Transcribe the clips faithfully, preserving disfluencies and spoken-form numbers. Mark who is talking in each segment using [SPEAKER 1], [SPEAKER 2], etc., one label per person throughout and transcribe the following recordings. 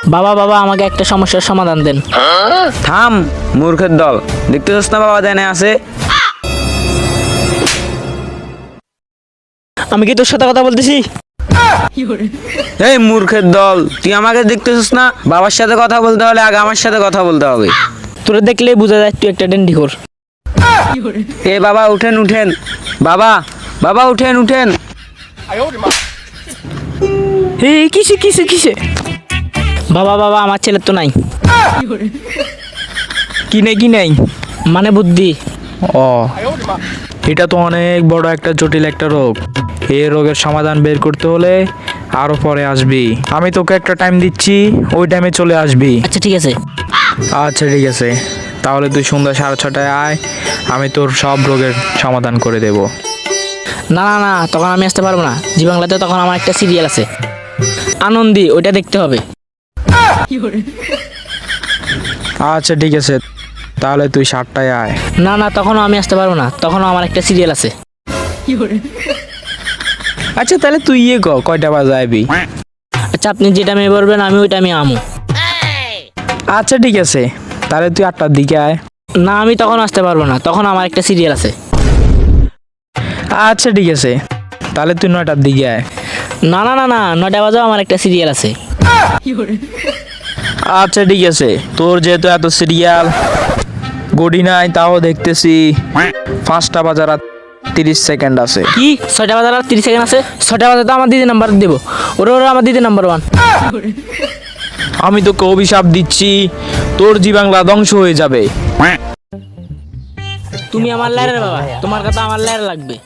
[SPEAKER 1] বাবা বাবা আমাকে একটা সমস্যার সমাধান দেন।
[SPEAKER 2] থাম মূর্খের দল, দেখতেছস না বাবা দেনে আছে?
[SPEAKER 1] আমি কি তোর সাথে কথা বলতেছি?
[SPEAKER 2] এই মূর্খের দল, তুই আমাকে দেখতেছস না? বাবার সাথে কথা বলতে হলে আগে আমার সাথে কথা বলতে হবে।
[SPEAKER 1] তোরে দেখলেই বোঝা যায় তুই একটা ডেন্ডিখোর।
[SPEAKER 2] এ বাবা উঠেন উঠেন, বাবা বাবা উঠেন উঠেন।
[SPEAKER 1] এই কিসে কিসে কিসে? বাবা বাবা আমার ছেলের তো নাই।
[SPEAKER 3] কি নেই কি নেই?
[SPEAKER 1] মানে বুদ্ধি।
[SPEAKER 3] ও, এটা তো অনেক বড় একটা জটিল একটা রোগ। এই রোগের সমাধান বের করতে হলে আরো পরে আসবি। আমি তোকে একটা টাইম দিচ্ছি, ওই টাইমে চলে আসবি।
[SPEAKER 1] আচ্ছা ঠিক আছে।
[SPEAKER 3] আচ্ছা ঠিক আছে, তাহলে তুই সন্ধ্যা সাড়ে ছটায় আয়, আমি তোর সব রোগের সমাধান করে দেব।
[SPEAKER 1] না না না, তখন আমি আসতে পারবো না। জি বাংলাতে তখন আমার একটা সিরিয়াল আছে আনন্দী, ওইটা দেখতে হবে।
[SPEAKER 3] আচ্ছা ঠিক আছে, তাহলে তুই সাতটায় আয়।
[SPEAKER 1] না না, তখনও আমি আসতে পারবো না, তখনও আমার একটা সিরিয়াল আছে।
[SPEAKER 3] আচ্ছা তাহলে তুই ইয়ে ক কয়টা বাজে আইবি?
[SPEAKER 1] আচ্ছা আপনি যেটা মেয়ে বলবেন আমি ওইটা আমি আমু।
[SPEAKER 3] আচ্ছা ঠিক আছে, তাহলে তুই আটটার দিকে আয়।
[SPEAKER 1] না আমি তখন আসতে পারবো না, তখন আমার একটা সিরিয়াল আছে।
[SPEAKER 3] আচ্ছা ঠিক আছে, তাহলে তুই নয়টার দিকে আয়।
[SPEAKER 1] না না না না, নয়টা বাজেও আমার একটা সিরিয়াল আছে।
[SPEAKER 3] আচ্ছা ঠিক আছে, তোর যেহেতু এত সিরিয়াল গড়ি নাই, তাও দেখতেছি পাঁচটা বাজার আর তিরিশ সেকেন্ড আছে।
[SPEAKER 1] কি ছয়টা বাজার আর তিরিশ সেকেন্ড আছে? ছয়টা বাজে তো আমার দিদি নাম্বার দেবো। ওরা ওরা আমার দিদি নাম্বার ওয়ান।
[SPEAKER 3] আমি তোকে অভিশাপ দিচ্ছি, তোর জি বাংলা ধ্বংস হয়ে যাবে।
[SPEAKER 1] তুমি আমার লাইরের বাবা, তোমার কথা আমার লাইর লাগবে।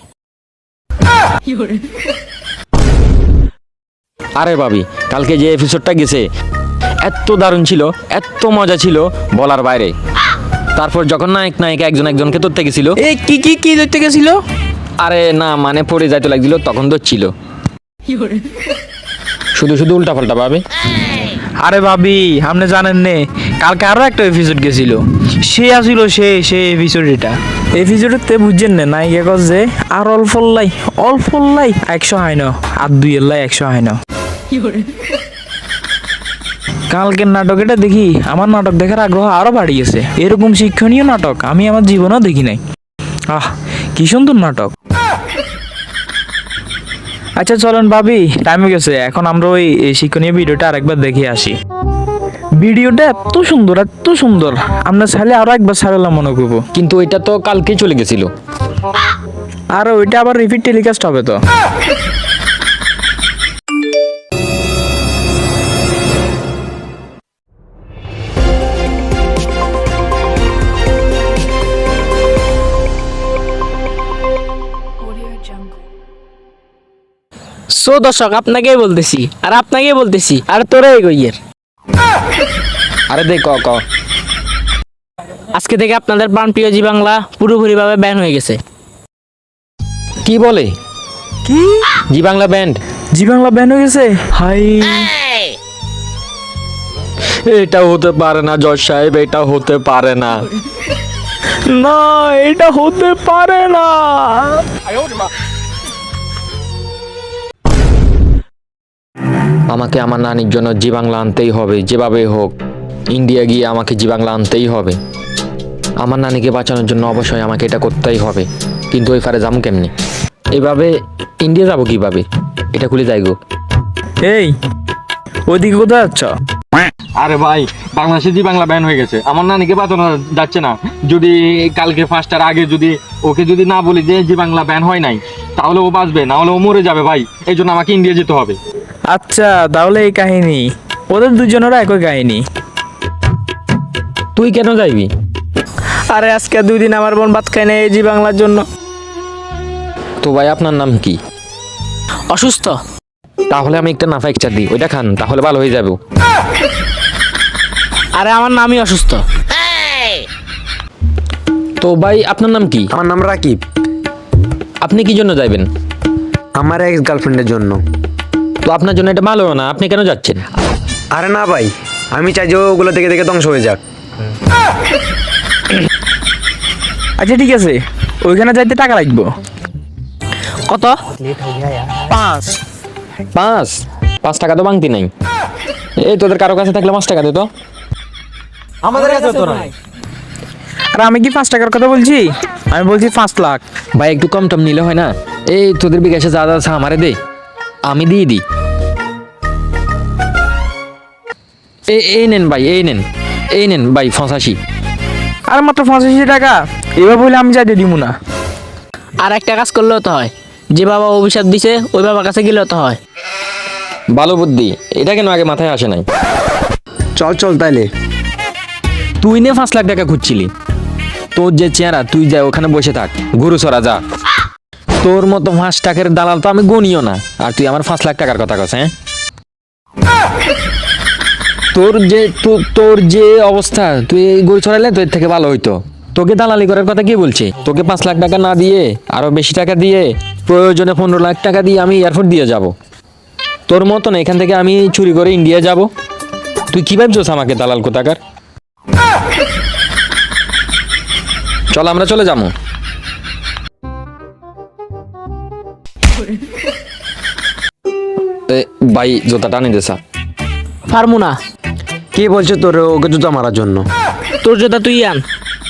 [SPEAKER 4] আরে ভাবি, কালকে যে এপিসোডটা গেছে এত দারুণ ছিল, এত মজা ছিল বলার বাইরে। তারপর যখন নায়ক নায়িকা একজন একজনকে ধরতে গেছিল,
[SPEAKER 3] এই কি কি কি দেখতে গেছিল?
[SPEAKER 4] আরে না মানে পড়ে যাইতে লাগছিল, তখন ধরছিল। শুধু শুধু উল্টা পাল্টা ভাবে।
[SPEAKER 3] আরে ভাবি, আপনি জানেন নে কালকে আরো একটা এপিসোড গেছিল, সে আসিল সে সে এপিসোড এটা এপিসোডেতে বুঝছেন না নায়িকা কস যে আর অল্প লাই অল্প লাই একশো হয় না, আর দুই লাই একশো হয় না। কালকের নাটক এটা দেখি আমার নাটক দেখার আগ্রহ আরো বাড়িয়েছে। এরকম শিক্ষণীয় নাটক আমি আমার জীবনেও দেখি নাই। আহ কি সুন্দর নাটক। আচ্ছা চলেন ভাবি, টাইম হয়ে গেছে, এখন আমরা ওই এই শিক্ষণীয় ভিডিওটা আরেকবার দেখে আসি। ভিডিওটা এত সুন্দর এত সুন্দর, আমরা চাইলে আরো একবার ছাড়লাম মনে করবো।
[SPEAKER 4] কিন্তু ওইটা তো কালকেই চলে গেছিল।
[SPEAKER 3] আর ওইটা আবার রিপিট টেলিকাস্ট হবে তো।
[SPEAKER 1] সো দর্শক আপনাকেই বলতেছি আর আপনাকেই বলতেছি আর তোরা এগোইয়ের
[SPEAKER 4] আরে দেখ ক ক
[SPEAKER 1] আজকে থেকে আপনাদের প্রাণপ্রিয় জি বাংলা পুরোপুরিভাবে ব্যান হয়ে গেছে।
[SPEAKER 4] কি বলে?
[SPEAKER 3] কি
[SPEAKER 4] জি বাংলা ব্যান্ড?
[SPEAKER 3] জি বাংলা ব্যান হয়ে গেছে? হাই,
[SPEAKER 4] এটা হতে পারে না জজ সাহেব, এটা হতে পারে না।
[SPEAKER 3] না এটা হতে পারে না।
[SPEAKER 4] আমাকে আমার নানির জন্য জি বাংলা আনতেই হবে, যেভাবে হোক ইন্ডিয়া গিয়ে আমাকে জি বাংলা আনতেই হবে। আমার নানিকে বাঁচানোর জন্য অবশ্যই আমাকে এটা করতেই হবে। কিন্তু ওই ফারে যাবো কেমনি? এভাবে ইন্ডিয়া যাবো কিভাবে? এটা খুলে যাই গো।
[SPEAKER 3] এই ওইদিকে কোথায় যাচ্ছ?
[SPEAKER 4] আরে ভাই, বাংলাদেশে জি বাংলা ব্যান হয়ে গেছে, আমার নানিকে বাঁচানো যাচ্ছে না। যদি কালকে ফার্স্টার আগে যদি ওকে যদি না বলি যে জি বাংলা ব্যান হয় নাই, তাহলে ও বাঁচবে, না হলে ও মরে যাবে ভাই। এই জন্য আমাকে ইন্ডিয়া যেতে হবে।
[SPEAKER 3] আচ্ছা তাহলে এই কাহিনী, ওদের দুজনেরও একই কাহিনী।
[SPEAKER 4] তুই কেন যাইবি?
[SPEAKER 1] আরে আজকে দুই দিন আমার বোন ভাত খায় না এই জি বাংলার জন্য।
[SPEAKER 4] তো ভাই আপনার নাম কি?
[SPEAKER 1] অসুস্থ।
[SPEAKER 4] তাহলে আমি একটা নাফা একটা দিই, ওইটা খান, তাহলে ভালো হয়ে যাবে।
[SPEAKER 1] আরে আমার নামই অসুস্থ।
[SPEAKER 4] তো ভাই আপনার নাম কি?
[SPEAKER 2] আমার নাম রাকিব।
[SPEAKER 4] আপনি কি জন্য যাইবেন?
[SPEAKER 2] আমার এক্স গার্লফ্রেন্ডের জন্য।
[SPEAKER 4] তো আপনার জন্য এটা ভালো না, আপনি কেন যাচ্ছেন?
[SPEAKER 2] আরে না ভাই, আমি চাই যে ওগুলো দেখে দেখে ধ্বংস হয়ে যাক।
[SPEAKER 3] আচ্ছা ঠিক আছে, ওইখানে যাইতে টাকা লাগবে
[SPEAKER 1] কত?
[SPEAKER 3] পাঁচ।
[SPEAKER 4] পাঁচ পাঁচ টাকা তো বাংতি নাই। এই তোদের কারো কাছে থাকলে পাঁচ টাকা দে তো।
[SPEAKER 2] আমাদের কাছে তো নাই।
[SPEAKER 3] আর আমি কি পাঁচ টাকার কথা বলছি, আমি বলছি পাঁচ লাখ।
[SPEAKER 4] ভাই একটু কম টম নিলে হয় না? এই তোদের বিকাশে যা যা আছে আমারে দে, আমি দিয়ে দিই। এই এই নেন ভাই, এই নেন, এই নেন ভাই পঁচাশি।
[SPEAKER 3] আর মাত্র পঁচাশি টাকা, এবার বলে আমি যাইতে দিব না।
[SPEAKER 1] আর একটা কাজ করলেও তো হয়, যে বাবা অভিশাপ দিছে ওই বাবার কাছে গেলেও তো হয়।
[SPEAKER 4] ভালো বুদ্ধি, এটা কেন আগে মাথায় আসে নাই?
[SPEAKER 2] চল চল তাইলে।
[SPEAKER 4] তুই নে পাঁচ লাখ টাকা খুঁজছিলি, তোর যে চেহারা, তুই যা ওখানে বসে থাক, গরু চড়া যা। তোর মতো পাঁচ টাকার দালাল তো আমি গনিও না, আর তুই আমার পাঁচ লাখ টাকার কথা কস? হ্যাঁ, তোর যে তো- তোর যে অবস্থা, তুই এই গরু ছড়াইলে তোর থেকে ভালো হইতো। তোকে দালালি করার কথা কি বলছে? তোকে পাঁচ লাখ টাকা না দিয়ে আরো বেশি টাকা দিয়ে, প্রয়োজনে পনেরো লাখ টাকা দিয়ে আমি এয়ারপোর্ট দিয়ে যাব। তোর মতন এখান থেকে আমি চুরি করে ইন্ডিয়া যাব। তুই কি ভাবছিস আমাকে দালাল কোথাকার? চল আমরা চলে যাবো। এ, ভাই জুতা টানি দে স্যার।
[SPEAKER 1] পারমু না।
[SPEAKER 2] কে বলছে তোর ওকে জুতা মারার জন্য?
[SPEAKER 1] তোর জুতা তুই আন।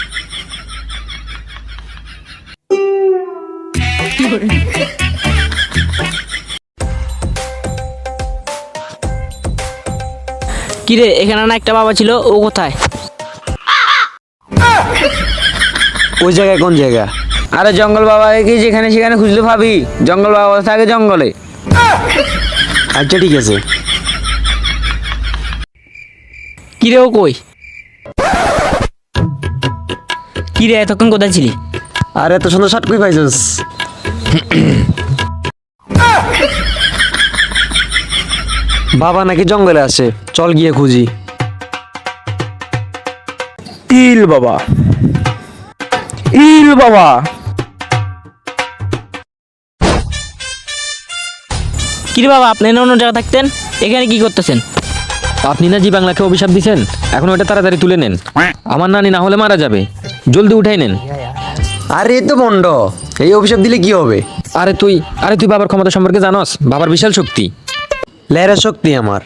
[SPEAKER 1] কিরে, এখানে না একটা বাবা ছিল, ও কোথায়?
[SPEAKER 2] ওই জায়গায় কোন জায়গা? আরে জঙ্গল বাবা কি যেখানে সেখানে খুঁজলে ভাবি, জঙ্গল বাবা থাকে জঙ্গলে। আচ্ছা ঠিক আছে।
[SPEAKER 1] কিরে, ও কই? কিরে, এতক্ষণ কোথায় ছিলি?
[SPEAKER 2] আরে এত সুন্দর শার্ট কই পাইছিস? বাবা নাকি জঙ্গলে আছে, চল গিয়ে খুঁজি।
[SPEAKER 3] ইল বাবা, ইল বাবা।
[SPEAKER 1] কিরে বাবা, আপনি না অন্য জায়গায় থাকতেন, এখানে কি করতেছেন?
[SPEAKER 4] আপনি না জি বাংলাকে অভিশাপ দিছেন, এখন ওটা তাড়াতাড়ি তুলে নেন। আমার নানি না হলে মারা যাবে, জলদি উঠাই নেন।
[SPEAKER 2] আরে এ তো বন্ড, এই অভিশাপ দিলে কি হবে?
[SPEAKER 4] আরে তুই আরে তুই বাবার ক্ষমতা সম্পর্কে জানোস? বাবার বিশাল শক্তি।
[SPEAKER 2] লেরা শক্তি আমার।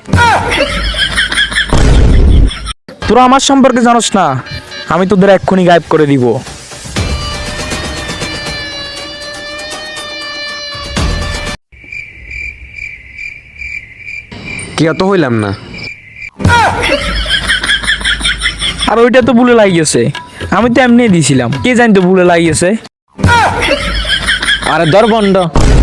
[SPEAKER 3] তোরা আমার সম্পর্কে জানোস না, আমি তোদের এক্ষুনি গায়েব করে দিব।
[SPEAKER 2] কি অত হইলাম না।
[SPEAKER 3] আর ওইটা তো ভুলে লাগিয়েছে, আমি তো এমনি দিয়েছিলাম, কে জানি তো ভুলে লাগিয়েছে।
[SPEAKER 4] আরে দর বন্ড।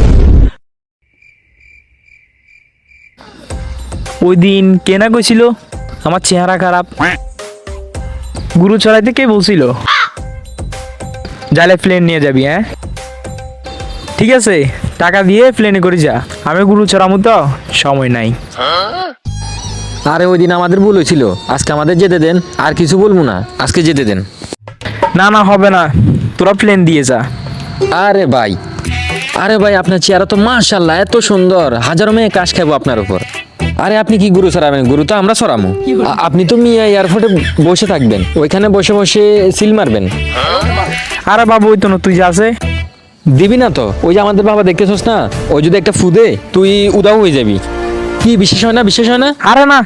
[SPEAKER 3] ওই দিন কে না কইছিল আমার চেহারা খারাপ? গুরু চড়াইতে কে বলছিল যাইলে প্লেন নিয়ে যাবি? হ্যাঁ ঠিক আছে, টাকা দিয়ে প্লেনে করে যা, আমি গুরু চড়ামু তো, সময় নাই।
[SPEAKER 4] আরে ওই দিন আমাদের ভুল হয়েছিল, আজকে আমাদের যেতে দেন, আর কিছু বলবো না, আজকে যেতে দেন।
[SPEAKER 3] না না হবে না, তোরা প্লেন দিয়ে যা।
[SPEAKER 4] আরে ভাই, আরে ভাই আপনার চেহারা তো মাশাআল্লাহ এত সুন্দর, হাজারো মেয়ে কাশ খাবো আপনার উপর। আরে আপনি কি গুরু সরাবেন? গুরু তো আমরা সরামু। আ- আপনি তো মিয়া এয়ারপোর্টে বসে থাকবেন, ওইখানে বসে বসে সিল মারবেন।
[SPEAKER 3] আরে বাবু, ওই তো না তুই যা আছে।
[SPEAKER 4] দিবি না তো? ওই যে আমাদের বাবা দেখতেছস না, ওই যদি একটা ফুদে তুই উদাও হয়ে যাবি। কি বিশেষ হয় না? বিশেষ হয় না?
[SPEAKER 3] আরে না,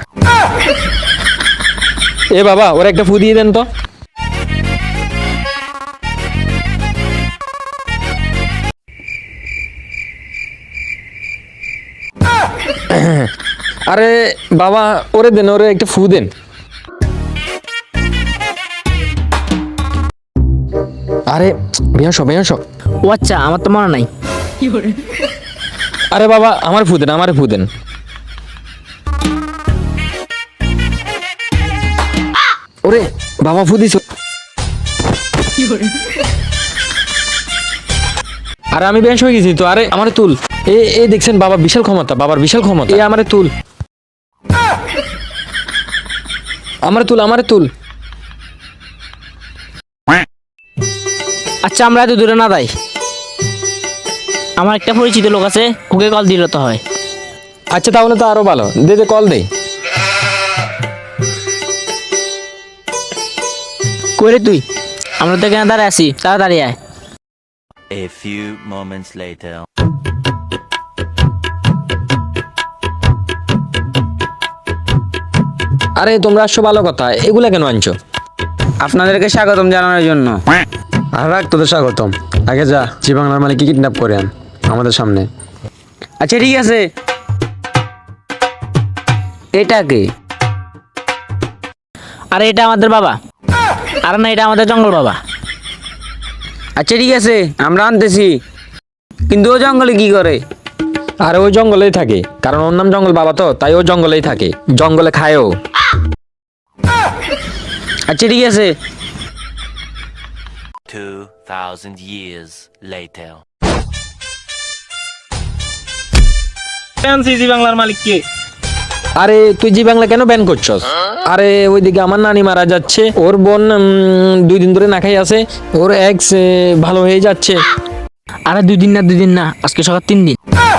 [SPEAKER 4] এ বাবা ওরা একটা ফু দিয়ে দেন তো। আরে বাবা ওরে দেন, ওরে একটা ফু দেন। আরে বেয়াস বেয়াস।
[SPEAKER 1] ও আচ্ছা, আমার তো মনে নাই।
[SPEAKER 4] আরে বাবা আমার ফু দেন, আমার ফু দেন। ওরে বাবা ফু দিছ। আরে আমি বেশ হয়ে গেছি তো। আরে আমারে তুল। এ এ দেখছেন বাবা বিশাল ক্ষমতা, বাবার বিশাল ক্ষমতা। এ আমারে তুল, আমারে তুল, আমারে তুল।
[SPEAKER 1] আচ্ছা, আমরা এত দূরে না যাই, আমার একটা পরিচিত লোক আছে, ওকে কল দিলে তো হয়।
[SPEAKER 4] আচ্ছা তাহলে তো আরো ভালো, দে দে কল দে।
[SPEAKER 1] কইরে তুই, আমরা তো এখানে দাঁড়ায় আছি, তাড়াতাড়ি আয়।
[SPEAKER 5] A few moments later.
[SPEAKER 4] আরে তোমরা আসছো ভালো কথা, এগুলা কেন আনছো?
[SPEAKER 2] আপনাদেরকে স্বাগতম জানানোর জন্য।
[SPEAKER 6] আর রাখ তোদের স্বাগতম। আগে যা জি বাংলার মালিককে কিডন্যাপ করে আন আমাদের সামনে।
[SPEAKER 2] আচ্ছা ঠিক আছে, এটা কে?
[SPEAKER 1] আরে এটা আমাদের বাবা। আরে না, এটা আমাদের জঙ্গল বাবা।
[SPEAKER 2] আচ্ছা ঠিক আছে, আমরা আনতেছি, কিন্তু ও জঙ্গলে কি করে?
[SPEAKER 4] আরে ওই জঙ্গলেই থাকে, কারণ ওর নাম জঙ্গল বাবা তো, তাই ও জঙ্গলেই থাকে, জঙ্গলে খায়ও।
[SPEAKER 2] আচ্ছা ঠিক আছে।
[SPEAKER 5] Two thousand years later.
[SPEAKER 3] জি বাংলার মালিক কে?
[SPEAKER 4] আরে তুই জি বাংলা কেন ব্যান করছস? আরে ওইদিকে আমার নানি মারা যাচ্ছে, ওর বোন উম, দুই দিন ধরে না খাই আছে, ওর এক্স ভালো হয়ে যাচ্ছে।
[SPEAKER 1] আরে দুই দিন না, দুই দিন না, আজকে সকাল তিন দিন।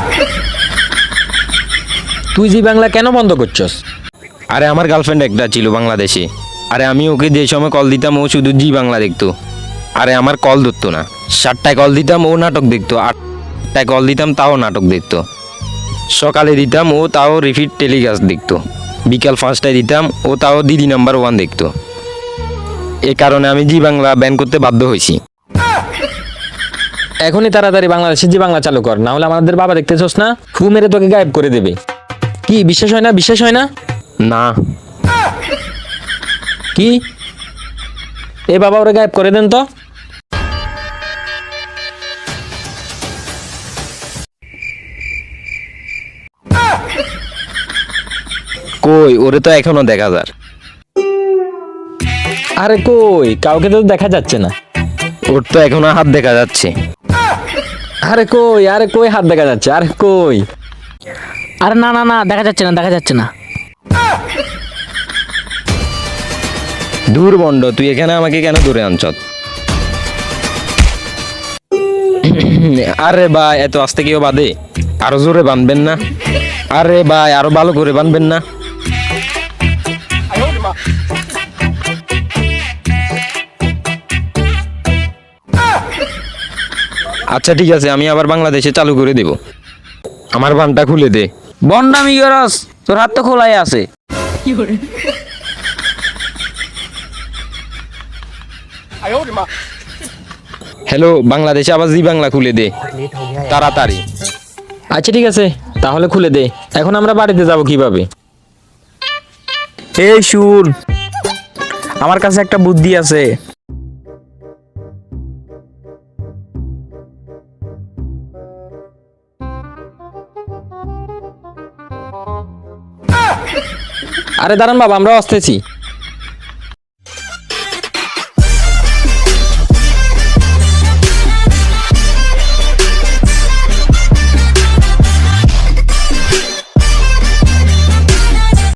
[SPEAKER 4] তুই জি বাংলা কেন বন্ধ করছস?
[SPEAKER 7] আরে আমার গার্লফ্রেন্ড একটা ছিল বাংলাদেশে। আরে আমি ওকে যে সময় কল দিতাম ও শুধু জি বাংলা দেখতো। আরে আমার কল ধরতো না। সাতটায় কল দিতাম ও নাটক দেখতো, আটটায় কল দিতাম তাও নাটক দেখতো, সকালে দিতাম ও তাও রিপিট টেলিকাস্ট দেখতো, বিকাল পাঁচটায় দিতাম ও তাও দিদি নাম্বার ওয়ান দেখতো। এ কারণে আমি জি বাংলা ব্যান করতে বাধ্য হয়েছি।
[SPEAKER 4] এখনই তাড়াতাড়ি বাংলাদেশে জি বাংলা চালু কর, না হলে আমাদের বাবা দেখতেছস না, ফু মেরে তোকে গায়েব করে দেবে। কি বিশ্বাস হয় না? বিশ্বাস হয় না?
[SPEAKER 7] না
[SPEAKER 4] কি এ বাবা, ওরে গায়েব করে দেন তো।
[SPEAKER 7] কই, ওরে তো এখনো দেখা যার।
[SPEAKER 4] আরে কই, কাউকে তো দেখা যাচ্ছে না।
[SPEAKER 7] ওর তো এখনো হাত দেখা যাচ্ছে।
[SPEAKER 4] আরে কই, আরে কই হাত দেখা যাচ্ছে, আরে কই।
[SPEAKER 1] আরে না না না, দেখা যাচ্ছে না, দেখা যাচ্ছে না।
[SPEAKER 7] দূর বন্ড, তুই এখানে আমাকে কেন ধরে আনছত? আরে ভাই, এত আস্তে কেউ বাঁধে? আরো জোরে বাঁধবেন না? আরে ভাই, আরো ভালো করে বাঁধবেন না? আচ্ছা ঠিক আছে, আমি আবার বাংলাদেশে চালু করে দেব। আমার বানটা খুলে দে।
[SPEAKER 2] বন্ডামি করস, তোর হাত তো খোলাই আছে।
[SPEAKER 7] হ্যালো, বাংলাদেশে আবার জি বাংলা খুলে দে তাড়াতাড়ি।
[SPEAKER 4] আচ্ছা ঠিক আছে, তাহলে খুলে দে। এখন আমরা বাড়িতে যাব কিভাবে?
[SPEAKER 3] এই শুন, আমার কাছে একটা বুদ্ধি আছে।
[SPEAKER 4] আরে দাঁড়ান বাবা, আমরা আসতেছি।